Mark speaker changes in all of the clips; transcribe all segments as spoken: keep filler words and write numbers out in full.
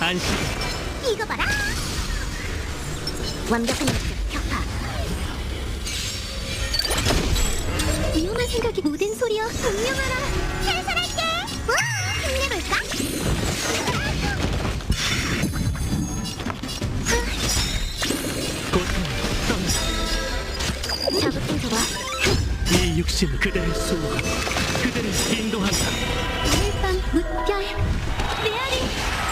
Speaker 1: 안심.
Speaker 2: 이거 봐라. 완벽한 역습 격파. 위험한 생각이 모든 소리여 분명하라. 해설할게. 와, 힘내볼까?
Speaker 1: 고통 떠나.
Speaker 2: 자극 좀 줘봐.
Speaker 1: 이 육신 그대를 수호하고 그대를 인도한다.
Speaker 2: 오늘 밤 무별 메아리.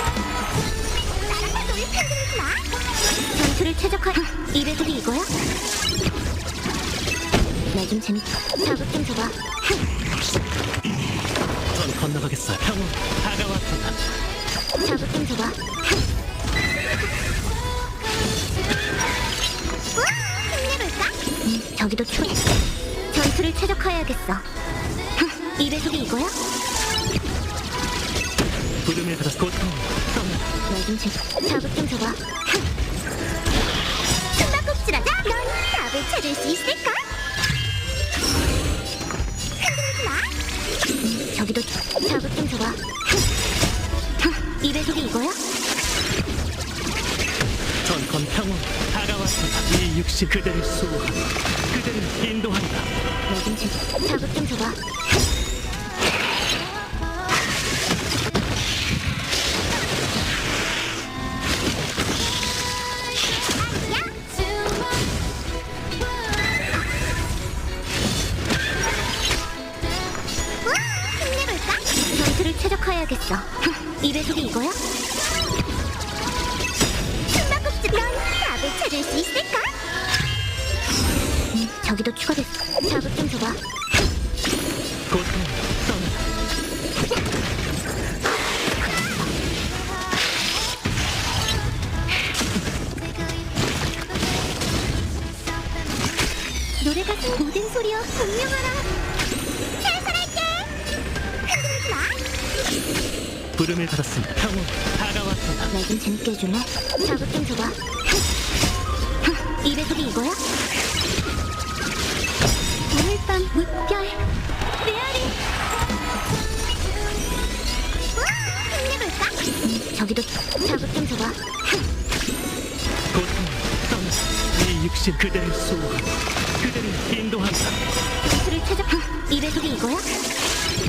Speaker 2: 나랑 놀이 흔들지 마. 전투를 최적화. 이 배속이 이거야? 나 좀 재밌. 자극 좀 줘봐.
Speaker 1: 전 건너가겠어요. 평온 다가왔다.
Speaker 2: 자극 좀 줘봐. 우와, 힘내볼까? 음, 저기도 추. 전투를 최적화해야겠어. 이 배속이 이거야?
Speaker 1: 부름을 받아 고통 떠나.
Speaker 2: 나 좀 재. 자극 좀 줘봐. 숨바꼭질하자. 넌 답을 찾을 수 있을까? 흔들지 마. 음, 저기도 추. 자극 좀 줘봐. 이 배속이 이거야?
Speaker 1: 전 건 평온 다가왔다. 이 육신 그대를 수호하고 그대를 인도한다.
Speaker 2: 나 좀 재. 자극 좀 줘봐. 전투를 최적화해야겠어. 이 배속이 이거야? 숨바꼭질. 넌 답을 찾을 수 있을까? 음, 저기도 추가됐어. 자극 좀 줘봐.
Speaker 1: 고통 떠나.
Speaker 2: 노래가 모든 소리여 분명하라. 해설할게. 흔들지 마.
Speaker 1: 부름을 받았습니다. 평온 다가왔다.
Speaker 2: 나 좀 재밌게 해줄래? 자극 좀 줘봐. 이 배속이 이거야? 오늘 밤 무별 메아리. 우와, 힘내볼까? 음, 저기도 자극 좀 줘봐.
Speaker 1: 고통 떠나. 이 육신 그대를 수호하고 그대를 인도한다.
Speaker 2: 전투를 최적. 이 배속이 이거야?